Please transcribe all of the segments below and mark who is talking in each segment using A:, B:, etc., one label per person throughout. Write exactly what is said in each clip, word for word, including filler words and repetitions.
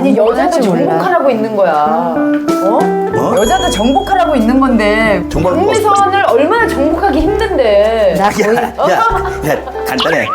A: 아니 여자도
B: 정복할지 몰라.
A: 정복하라고 있는 거야. 어?
C: 뭐?
A: 여자도 정복하라고 있는 건데
C: 정말
A: 박미선을 얼마나 정복하기 힘든데.
B: 나 거의
C: 야, 야, 야, 간단해.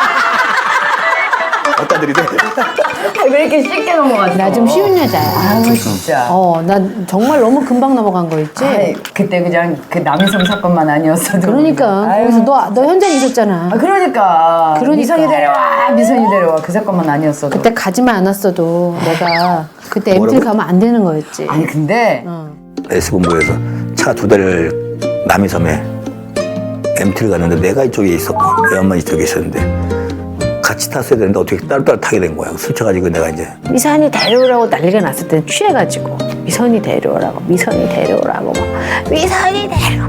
C: 어따 들이대.
A: 왜 이렇게 쉽게 넘어갔어?
B: 나 좀 쉬운 여자야.
A: 아유 진짜.
B: 어, 나 정말 너무 금방 넘어간 거 있지?
A: 아이, 그때 그냥 그 남이섬 사건만 아니었어도.
B: 그러니까
A: 아유.
B: 거기서 너, 너 현장 있었잖아.
A: 아, 그러니까.
B: 그러니까.
A: 미선이 데려와, 미선이 데려와. 그 사건만 아니었어도.
B: 그때 가지만 않았어도 내가 그때 엠티
C: 뭐라고?
B: 가면 안 되는 거였지.
A: 아니 근데
B: 어.
C: S본부에서 차 두 대를 남이섬에 엠티를 갔는데 내가 이쪽에 있었고 내 엄마 이쪽에 있었는데 같이 탔어야 되는데 어떻게 따로따로 타게 된 거야. 스쳐가지고 내가 이제
B: 미선이 데려오라고 난리가 났을 때는 취해가지고 미선이 데려오라고 미선이 데려오라고 막 미선이 데려오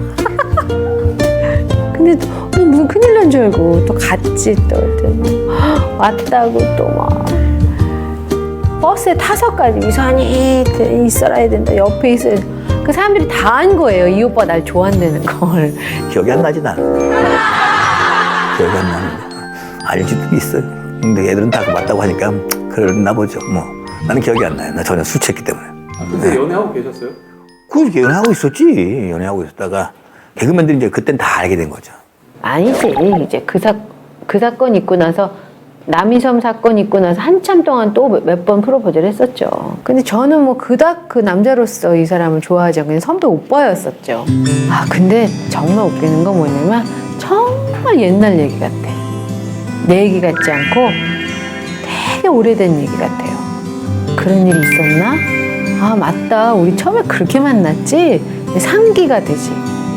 B: 근데 또 어, 무슨 큰일 난 줄 알고 또 갔지 또 그랬더니 왔다고 또 막 버스에 타서까지 미선이 있어야 된다 옆에 있어야 된다. 그 사람들이 다 한 거예요. 이 오빠 날 좋아한다는 걸.
C: 기억이 안 나지 나는. 기억이 안 나는데 알 수도 있어. 근데 애들은 다 맞다고 하니까 그랬나 보죠. 뭐 나는 기억이 안 나요. 나 전혀 술 취했기 때문에.
D: 그때 연애하고 계셨어요?
C: 그 연애하고 있었지. 연애하고 있었다가 개그맨들이 이제 그땐 다 알게 된 거죠.
B: 아니지. 이제 그 사, 그 사건 있고 나서 남이섬 사건 있고 나서 한참 동안 또 몇 번 프로포즈를 했었죠. 근데 저는 뭐 그닥 그 남자로서 이 사람을 좋아하지 않고 그냥 선배 오빠였었죠. 아 근데 정말 웃기는 건 뭐냐면 정말 옛날 얘기 같아. 내 얘기 같지 않고 되게 오래된 얘기 같아요. 그런 일이 있었나? 아 맞다. 우리 처음에 그렇게 만났지? 상기가 되지.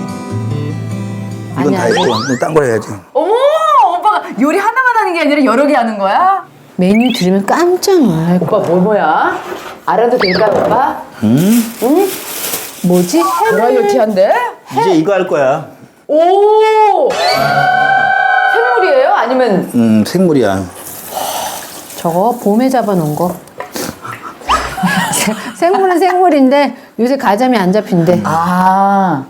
C: 이건 다 했고 딴 걸 해야지.
A: 어머 오빠가 요리 하나만 하는 게 아니라 여러 개 하는 거야?
B: 메뉴 들으면 깜짝 놀랄 거야.
A: 오빠 뭐 뭐야? 알아도 될까 오빠?
C: 음?
A: 응?
B: 뭐지?
A: 브라이어티한데?
C: 이제 이거 할 거야.
A: 오! 생물이에요? 아니면
C: 음 생물이야.
B: 저거 봄에 잡아놓은 거. 생물은 생물인데 요새 가자미 안 잡힌대.
A: 아